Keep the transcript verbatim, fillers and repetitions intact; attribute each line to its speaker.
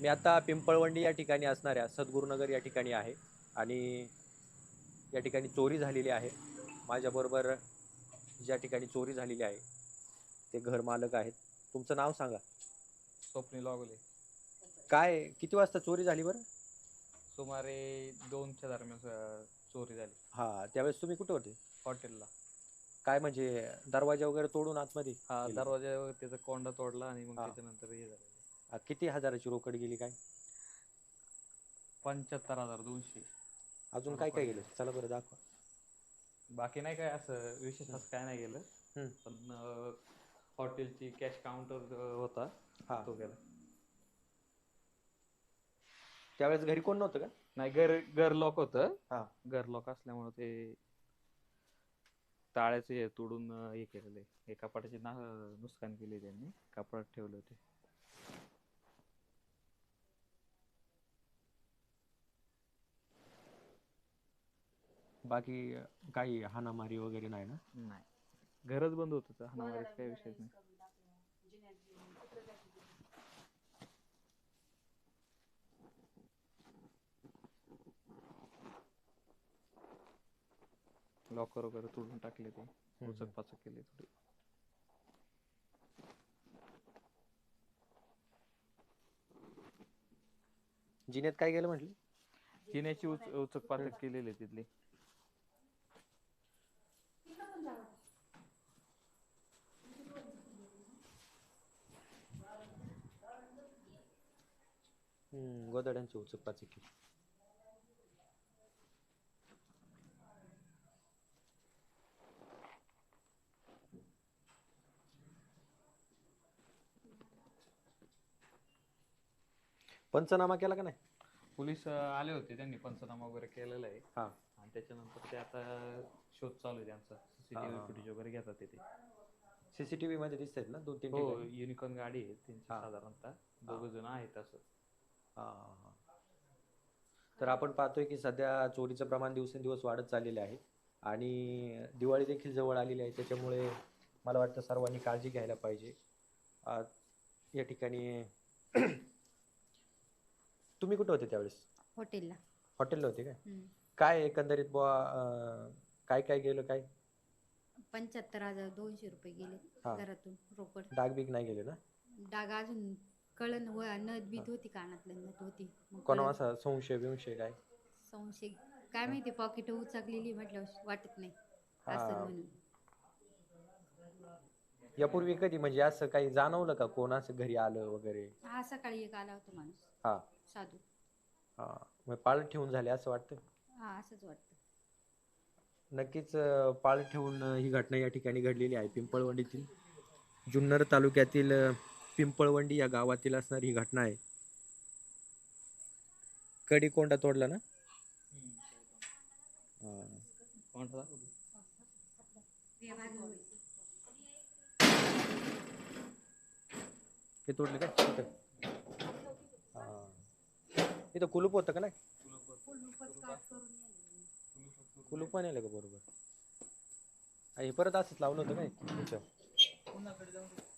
Speaker 1: मी आता पिंपळवंडी या ठिकाणी असणाऱ्या सद्गुरुनगर या ठिकाणी आहे आणि या ठिकाणी चोरी झालेली आहे. माझ्याबरोबर ज्या ठिकाणी चोरी झालेली आहे ते घर मालक आहेत. तुमचं नाव सांगा.
Speaker 2: स्वप्नील वाघोले.
Speaker 1: काय किती वाजता चोरी झाली बरं?
Speaker 2: सुमारे दोनच्या दरम्यान चोरी झाली.
Speaker 1: हा, त्यावेळेस तुम्ही कुठे होते?
Speaker 2: हॉटेलला.
Speaker 1: काय म्हणजे दरवाजा वगैरे तोडून आतमध्ये?
Speaker 2: हा, दरवाजा वगैरे त्याचा कोंडा तोडला आणि मग त्याच्यानंतर हे झालं.
Speaker 1: किती हजाराची रोकड गेली काय?
Speaker 2: पंच्याहत्तर हजार दोनशे.
Speaker 1: अजून काय काय गेलं? चला बरं दाखवा.
Speaker 2: बाकी नाही काय असं विशेष असं काय नाही गेलं. पण हॉटेलची कॅश काउंटर होता तो गेला.
Speaker 1: त्यावेळेस घरी कोण नव्हतं का?
Speaker 2: नाही, घर घर लॉक होतं. घर लॉक असल्यामुळे ते ताळ्याचे हे तोडून हे केलेलं आहे. हे कपाटाची ना नुकसान केली त्यांनी, कपाटात ठेवले होते.
Speaker 1: बाकी काही हाणामारी वगैरे नाही ना?
Speaker 2: नाही, घरच बंद होत. हाणामारीचा काही विषयच नाही. लॉकर वगैरे तोडून टाकले, ते उचक पाचक केले थोडी.
Speaker 1: जिन्यात काय गेलं म्हटलं?
Speaker 2: जिन्याची उच उचक पाचक केलेली तिथली.
Speaker 1: हम्म, गोदड्यांची उचक पाचक केली. पंचनामा केला का नाही?
Speaker 2: पोलीस आले होते, त्यांनी पंचनामा वगैरे केलेला आहे.
Speaker 1: हा,
Speaker 2: आणि त्याच्यानंतर ते आता शोध चालू आहे त्यांचा. सीसीटीव्ही फुटेज वगैरे घेतात ते.
Speaker 1: सीसीटीव्ही मध्ये दिसत आहेत ना दोन तीन
Speaker 2: हो,
Speaker 1: ठिकाणी?
Speaker 2: युनिकॉर्न गाडी आहे त्यांची साधारणतः. दोघ जण आहेत असं.
Speaker 1: हा हा. तर आपण पाहतोय की सध्या चोरीचं प्रमाण दिवसेंदिवस वाढत चाललेले आहे आणि दिवाळी देखील जवळ आलेली आहे. त्याच्यामुळे मला वाटतं सर्वांनी काळजी घ्यायला पाहिजे. या ठिकाणी तुम्ही कुठे होते त्यावेळेस?
Speaker 3: हॉटेलला.
Speaker 1: हॉटेलला होते काय? काय एकंदरीत बुवा काय काय गेलं काय?
Speaker 3: पंच्याहत्तर हजार दोनशे रुपये गेले घरातून रोकड.
Speaker 1: डाग बीग नाही गेले ना?
Speaker 3: डाग अजून कळन व नथ बीत होती, कानातलं नथ होती.
Speaker 1: कोणा असा संशय विंशय काय?
Speaker 3: संशय काय माहिती, पॉकेट उचकलेली म्हटलं वाटत नाही असं म्हणून.
Speaker 1: यापूर्वी कधी म्हणजे असं काही जाणवलं का, कोण असं घरी आलं वगैरे?
Speaker 3: हा, सकाळी एक आला होता माणूस.
Speaker 1: हा,
Speaker 3: साधू.
Speaker 1: हा, मग पाळत ठेवून झाले असं वाटतं?
Speaker 3: हा, असंच वाटतं.
Speaker 1: नक्कीच पाळत ठेवून ही घटना या ठिकाणी घडलेली आहे. पिंपळवंडीतील जुन्नर तालुक्यातील पिंपळवंडी या गावातील असणारी ही घटना आहे. कडी कोंडा तोडला ना? हे तोडले काय? इथं कुलूप होतं का नाही? कुलूप पण आलं का बरोबर? हे परत असंच लावलं होतं काय?